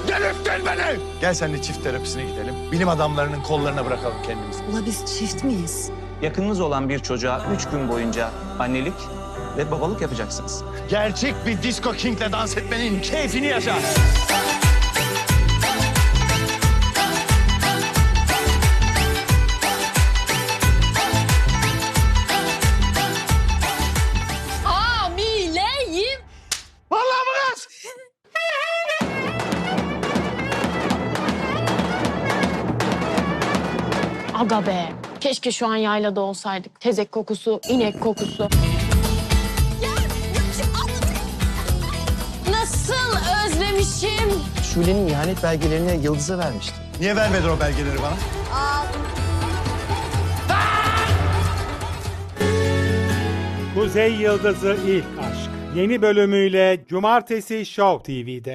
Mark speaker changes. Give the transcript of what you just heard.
Speaker 1: Delirttin beni! Gel seninle çift terapisine gidelim. Bilim adamlarının kollarına bırakalım kendimizi.
Speaker 2: Ula biz çift miyiz?
Speaker 3: Yakınınız olan bir çocuğa 3 gün boyunca annelik ve babalık yapacaksınız.
Speaker 1: Gerçek bir disco king'le dans etmenin keyfini yaşa.
Speaker 2: Hamileyim.
Speaker 1: Vallahi mı kız?
Speaker 4: Aga be. Keşke şu an yaylada olsaydık. Tezek kokusu, inek kokusu. Nasıl özlemişim.
Speaker 5: Şule'nin ihanet belgelerini Yıldız'a vermişti.
Speaker 1: Niye vermedin o belgeleri bana?
Speaker 6: Kuzey Yıldızı İlk Aşk. Yeni bölümüyle Cumartesi Show TV'de.